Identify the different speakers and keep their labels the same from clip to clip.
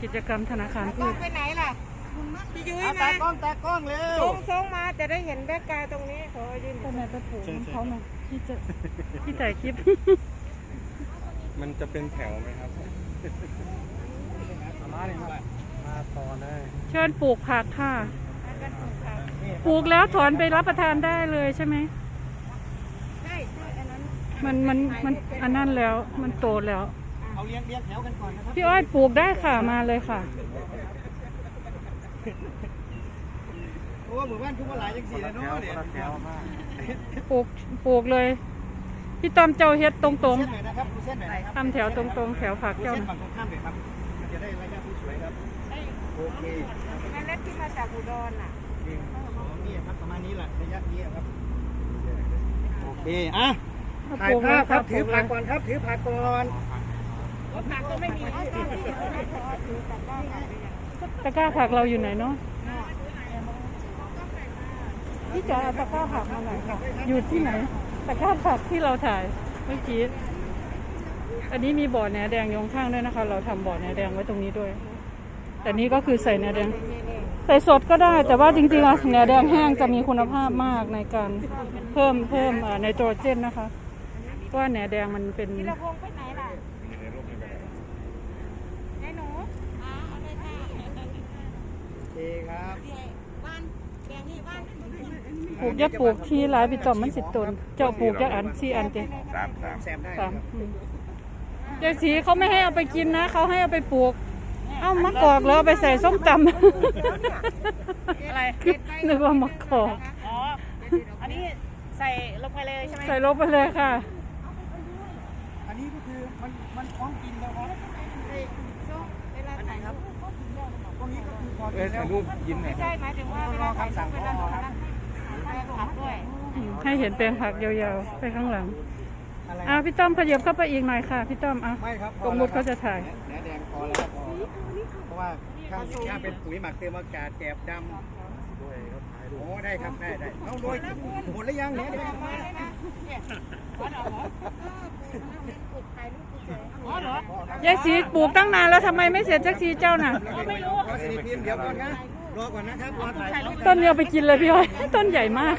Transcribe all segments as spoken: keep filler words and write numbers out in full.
Speaker 1: กิจกรรมธนาคารพืช
Speaker 2: ไปไหนล่ะพี่ยุ้ยมา
Speaker 3: ตากล้องตากล้องเร็ว
Speaker 2: ส่งส่งมาจะได้เห็นแบ็คกราวด์ตรงนี้ขอยืน
Speaker 1: ทำไมไปผูกเขาหน่อยที่จะที่ถ่ายคลิป
Speaker 3: มันจะเป็นแถวไหมครับมาเลยครับมาต่อเลย
Speaker 1: เชิญปลูกผักค่ะปลูกแล้วถอนไปรับประทานได้เลยใช่ไหม
Speaker 2: ใช่ใช่อันนั้น
Speaker 1: มันมันมันอันนั้นแล้วมันโตแล้ว
Speaker 3: เอาเลี้ยงเลี้ยงแถวกันก่อนนะครับ
Speaker 1: พี่อ้อยปลูกได้ค่ะมาเลยค่ะ
Speaker 3: เพราะว่าหมู่บ้านทุกคนหลายจังสี่เลยเนาะเนี่ย
Speaker 1: ปลูกปลูกเลยพี่ต้อมเจ้าเฮ็ดตรง
Speaker 3: เส้นหน่อยนะครับดูเส้นหน่อยนะครับ
Speaker 1: ๆทำแถวตรงๆแถวผัก
Speaker 3: ดู
Speaker 1: เจ้า
Speaker 3: เส้นฝั่งตรงข้ามเลยครับมันจะได้ระยะที่สวยครับโอเค
Speaker 2: เมล็ดที่มาจากอุดรน่ะ
Speaker 3: นี่นี่ครับประมาณนี้แหละระยะนี้ครับโอเคอ่ะถ่ายภาพครับถือผักก่อนครับถือผักก่อน
Speaker 2: ผักก็ไม่มีที่ถือตะกร้าผักไปยัง
Speaker 1: ตะกร้าผักเราอยู่ไหนเนาะพี่จ๋าเอาตะกร้าผักมาหน่อยค่ะอยู่ที่ไหนตะกร้าผักที่เราถ่ายเมื่อกี้อันนี้มีบ่อแหนแดงอยข้างด้วยนะคะ เราทำบ่อแหนแดงไว้ตรงนี้ด้วยแต่นี้ก็คือใส่แหนแดงใส่สดก็ได้ แต่ว่าจริงๆแล้วแหนแดงแห้งจะมีคุณภาพมากในการเพิ่มเพิ่มไนโตรเจนนะคะเพราะว่าแหนแดงมันเป็น
Speaker 2: ธีรพงษ์ไปไหนล่ะไอ้หนูอ๋อเอาเลยค่ะ
Speaker 3: โอเคครับ
Speaker 2: บ้านแดงนี่บ้าน
Speaker 1: ปลูกยักปลูกที่หลายปีต่อมมันสิตนเจ้าปลูกยักอันสี่อันเต็ม
Speaker 3: สามสามแซมได้
Speaker 1: สามยายสีเขาไม่ให้เอาไปกินนะเขาให้เอาไปปลูกเอ้ามะกอกแล้วเอาไปใส่ส้มตำ
Speaker 2: อะไร
Speaker 1: นึกว่ามะกอก
Speaker 2: อ๋ออันนี้ใส่ลงไปเลยใช่ไหม
Speaker 1: ใส่ลงไปเลยค่ะ
Speaker 3: อันนี้ก็คือมันมันพร้อมกินแล้วครับ
Speaker 2: เวลาถ่ายรูป
Speaker 3: ตรงนี้ก็คือพอกินแล้วรูปยิ้มหน่
Speaker 2: ไม่
Speaker 3: อย
Speaker 2: ใช่หมายถึงว่าเวลาถ่ายรูปเวลาถ่ายรูปให้ผักด้วย
Speaker 1: อืมให้เห็นแปลงผักยาวๆไปข้างหลัง
Speaker 3: อะไร
Speaker 1: อ้าวพี่ต้อมขยับเข้าไปอีกหน่อยค่ะพี่ต้อมอ่ะ
Speaker 3: ไม่ครับ
Speaker 1: ตรงมุดเขาจะถ่าย
Speaker 3: แหนแดงพอแล้วครับพอเพราะว่าข้างข้างเป็นปุ๋ยหมักเติมอากาศแกบดำด้วยครับโอ้ได้ครับได้ได้เอาโดยหมดแล้วยังเนี่ยเดี๋ยว
Speaker 2: มาเลยนะเนี่ยอ๋อเหรออ๋อเหรอย
Speaker 1: ายสีปลูกตั้งนานแล้วทำไมไม่เสร็จสักทีเจ้าน่ะ
Speaker 3: ไม่รู้รอสิพิมพ์เดี๋ยวก่อนนะรอก่อนนะครับรอถ่ายรูป
Speaker 1: ต้นเดียวไปกินเลยพี่อ้อยต้นใหญ่มาก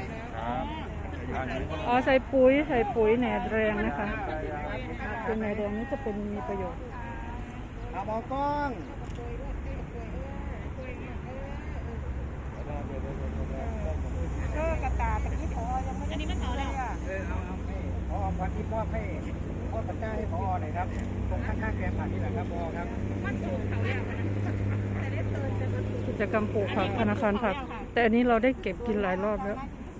Speaker 1: อ๋อใส่ปุ๋ยใส่ปุ๋ยแหนแดงนะคะปุ๋ยแหนแดงนี้จะเป็นมีประโยชน์
Speaker 3: เอาหมอกล้อง
Speaker 2: เออกระตาตะกี้พอยังไม่อันนี้ไม่ต่อเลยอ่ะ
Speaker 3: เออเอาเอาให้พอพันที่มอบให้มอบตะกร้าให้พอหน่อยครับตรงข้างๆแกมผักนี่แหละครับพอครับ
Speaker 1: กิจกรรมปลูกผักธนาคารผัก แต่อันนี้เราได้เก็บกินหลายรอบแล้ว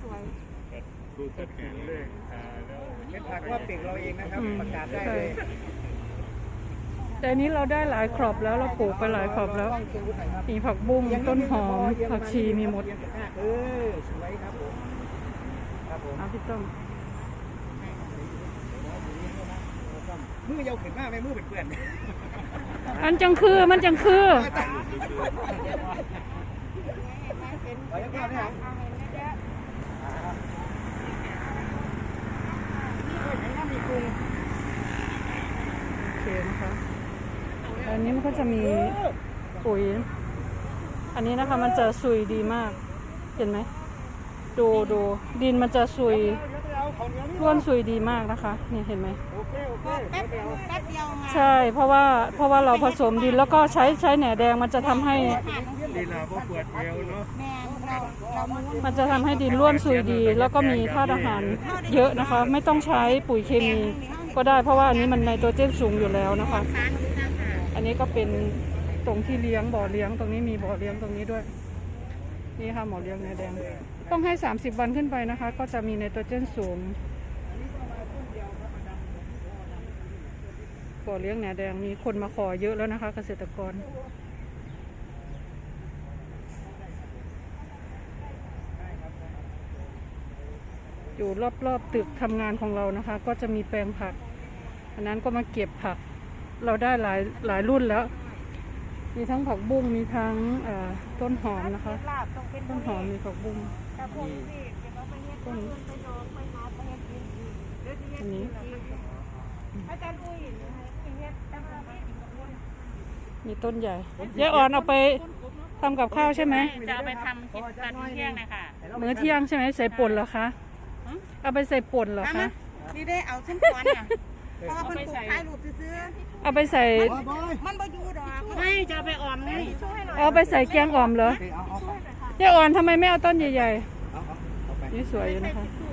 Speaker 3: เป็นผักว่าปีกเราเองนะครับประกาศได้เลย
Speaker 1: แต่อันนี้เราได้หลายครอบแล้วเราปลูกไปหลายครอบแล้ว มีผักบุ้งต้นหอมผักชีมีหมด
Speaker 3: เออสวยครับผมครับผม
Speaker 1: เอาพี่ต้อม
Speaker 3: มือยาวขึ้นมากไหมมือเป็นเปื่อน
Speaker 1: มันจังคือมันจังคือ
Speaker 3: ขอยังก่อนนะครับมีกุ้ง
Speaker 1: โอเคนะคะอันนี้มันก็จะมีปุ๋ย อันนี้นะคะมันจะซุยดีมาก เห็นไหมดูดูดินมันจะซุยร่วนซุยดีมากนะคะนี่เห็นไหม
Speaker 3: โอเคโอเค
Speaker 2: แป๊บแป๊บเดียวมา
Speaker 1: ใช่เพราะว่าเพราะว่าเราผสมดินแล้วก็ใช้ใช้แหนแดงมันจะทำให้
Speaker 3: ดีลาพวกปวดเอวเนาะ
Speaker 2: แม่เราเราม้วน
Speaker 1: มันจะทำให้ดินร่วนซุยดี แล้วก็มีธาตุอาหารเยอะนะคะ ไม่ต้องใช้ปุ๋ยเคมีก็ได้เพราะว่าอันนี้มันไนโตรเจนสูงอยู่แล้วนะคะ อันนี้ก็เป็นตรงที่เลี้ยงบ่อเลี้ยงตรงนี้มีบ่อเลี้ยงตรงนี้ด้วยนี่ค่ะหมอเลี้ยงแหนแดงต้องให้สามสิบวันขึ้นไปนะคะ ก็จะมีไนโตรเจนสูงบ่อเลี้ยงแหนแดงมีคนมาขอเยอะแล้วนะคะ เกษตรกรอยู่รอบๆตึกทำงานของเรานะคะ ก็จะมีแปลงผักอันนั้นก็มาเก็บผักเราได้หลายหลายรุ่นแล้วมีทั้งผักบุ้งมีทั้งต้นหอมนะคะต้นหอมมีผักบุ้งต้นอันนี้มีต้นใหญ่ยายอ่อนเอาไปทำกับข้าวใช่ไหม
Speaker 2: จะเอาไปทำกินตอนเที่ยงนะคะ
Speaker 1: มื้อเที่ยงใช่ไหมใส่ป่นเหรอคะเอาไปใส่ป่นเหรอคะ
Speaker 2: นี่ได้เอาเส้นก้อนอ่ะเพราะว่ามันปลูกถ่ายรูปซื้อ
Speaker 1: เอาไปใส่
Speaker 2: มันบ่อยู่ดอกไม่จะเอาไปออมไง
Speaker 1: เอาไปใส่แกงอ่อมเหรอ
Speaker 3: เอาเอาเอา
Speaker 1: ยายอ่อนทำไมไม่เอาต้นใหญ่
Speaker 3: เอาเอาไป
Speaker 1: ๆนี่สวยอยู่นะคะ
Speaker 2: ถุ